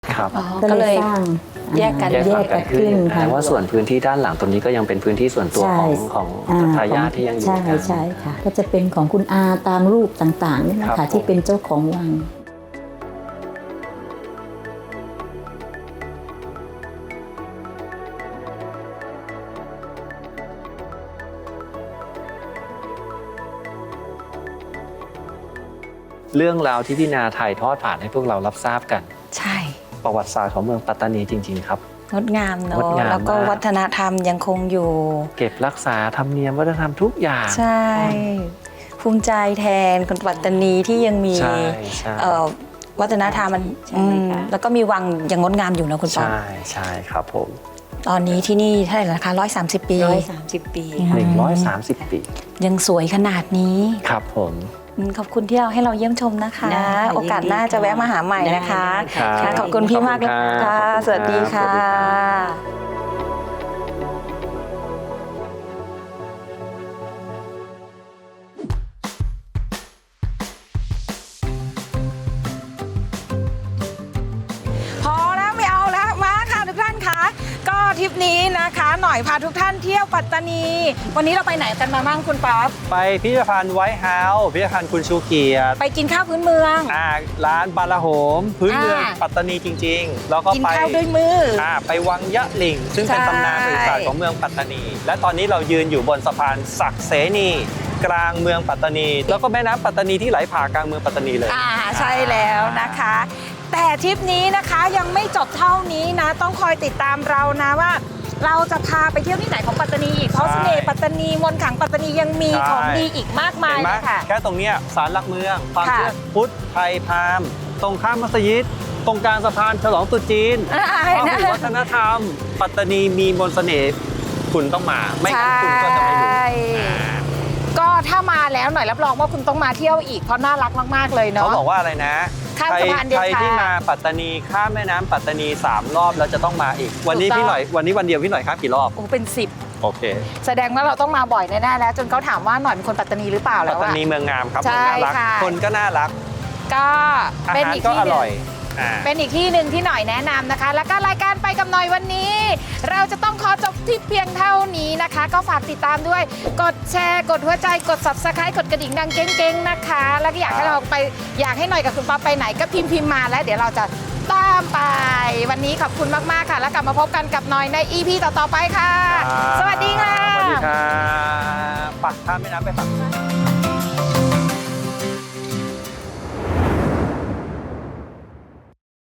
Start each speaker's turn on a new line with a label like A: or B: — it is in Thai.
A: ครับ
B: ก็เลยสร้าง
C: แยกกัน
B: แยกกันขึ้นค่ะ
A: แต่ว่าส่วนพื้นที่ด้านหลังตรงนี้ก็ยังเป็นพื้นที่ส่วนตัวของทายาทที่ยังอยู่
B: ใช่ค่ะก็จะเป็นของคุณอาตามรูปต่างๆนี่นะ
A: ครั
B: คะ
A: บ
B: ที่เป็นเจ้าของวัง
A: เรื่องราวที่พี่นาถ่ายทอดผ่านให้พวกเรารับทราบกัน
C: ใช่
A: ประวัติศาสตร์ของเมืองปัตตานีจริงๆครับ
C: งดงามเน
A: งด
C: อะ
A: งาม
C: แล้วก็
A: มาก
C: วัฒนธรรมยังคงอยู่
A: เก็บรักษาธรรมเนียมวัฒนธรรมทุกอย่าง
C: ใช่ ภูมิใจแทนคนปัตตานีที่ยังมี
A: ใช่ใช่
C: วัฒนธรรมมัน
B: ใช่ค่ะ
C: แล้วก็มีวังยังงดงามอยู่นะคุณป๊อป
A: ใช่ใช่ครับผม
C: ตอนนี้ที่นี่เท่าไหร่แล้วนะคะ130 ปี
B: 130 ปีค่ะ
A: 130 ปี
C: ยังสวยขนาดนี้
A: ครับผม
C: ขอบคุณที่ให้เราเยี่ยมชมนะคะ
B: ได้
C: โอกาสหน้าจะแวะมาหาใหม่นะคะ
B: ได้ค่ะ
C: ค่ะขอบคุณพี่มากเลย
A: ขอบคุณ
C: ค่ะ
A: ครับ
C: สวัสดีค่ะ
A: สวัสดีครับ
C: พอแล้วไม่เอาแล้วมาค่ะทุกท่านคะก็ทริปนี้นะคะหน่อยพาทุกท่านเที่ยวปัตตานี วันนี้เราไปไหนกันมาบ้างคุณป๊อป
A: ไปพิพิธภัณฑ์ไวท์เฮาส์พิพิธภัณฑ์คุณชูเกียรติ
C: ไปกินข้าวพื้นเมือง
A: ร้านบาลาโหม พื้นเมือง
C: อ่า
A: ปัตตานีจริงๆ แล้วก็
C: กิน
A: ไป
C: ข้าวด้วยมือ
A: ไปวังยะหลิ่ง ซึ่งเป็น
C: ใช่
A: ตำนานประวัติศาสตร์ของเมืองปัตตานี และตอนนี้เรายืนอยู่บนสะพานศักดิ์เสนี กลางเมืองปัตตานี แล้วก็แม่น้ำปัตตานีที่ไหลผ่ากลางเมืองปัตตานีเลย
C: ใช่แล้วนะคะ แต่ทริปนี้นะคะยังไม่จบเท่านี้นะ ต้องคอยติดตามเรานะว่า เราจะพาไปเที่ยวที่ไหนของปัตตานีอีกเพราะ
A: ใช่
C: เสน่ห์ปัตตานีมนต์ขลังปัตตานียังมี
A: ใช่
C: ของดีอีกมากมาย
A: เห็นไหม
C: เลยค่ะ
A: แค่ตรงเนี้ยศาลหลักเมือง ความ
C: ค่ะ
A: เชื่อพุทธไทยพราหมณ์ตรงข้ามมัสยิด ตรงกลางสะพานฉลองตรุษจีน พหุวัฒนธรรม ปัตตานีมีมนต์เสน่ห์คุณต้องมา ไม่งั้นคุณก็จะไม่รู้
C: ใช่ก็ถ้ามาแล้วหน่อยรับรองว่าคุณต้องมาเที่ยวอีกเพราะน่ารักมากๆเลย
A: เขา
C: เนาะ
A: บอกว่าอะไรนะ
C: ข้ามสะพานเดชา
A: ใครที่มาปัตตานีข้ามแม่น้ำปัตตานี3 รอบแล้วจะต้องมาอีก วันนี้
C: ถูกต้อง
A: พี่หน่อยวันนี้วันเดียวพี่หน่อยครับกี่รอบ
C: โอ้เป็น
A: โ
C: 10
A: อเค
C: แสดงว่าเราต้องมาบ่อยแน่ๆแล้วจนเขาถามว่าหน่อยเป็นคนปัตตานีหรือเปล่า
A: ปั
C: แล้
A: ต
C: ว
A: ตา
C: อะ
A: นีเมืองงามครับ
C: ใช่
A: เมืองน่ารัก
C: ค่ะ
A: คนก็น่ารัก
C: ก็
A: อา
C: เป็น
A: หาร
C: อีก
A: ก็
C: ที่
A: อ
C: หนึ่
A: ร่อย
C: งเป็นอีกที่หนึ่งที่หน่อยแนะนำนะคะ แล้วก็รายการไปกับหน่อยวันนี้ เราจะต้องขอจบที่เพียงเท่านี้นะคะ ก็ฝากติดตามด้วย กดแชร์กดหัวใจกด subscribe กดกระดิ่งดังเก้งๆนะคะ แล้วก็อยากให้เราไปอยากให้หน่อยกับคุณป๊อปไปไหนก็พิมพ์มาแล้วเดี๋ยวเราจะตามไป วันนี้ขอบคุณมากๆค่ะ แล้วกลับมาพบกันกับหน่อยใน EP ต่อๆไปค่ะ สวัสดีค่ะ
A: สวัสดีครับปักข้ามแม่น้ำไปฝั่ง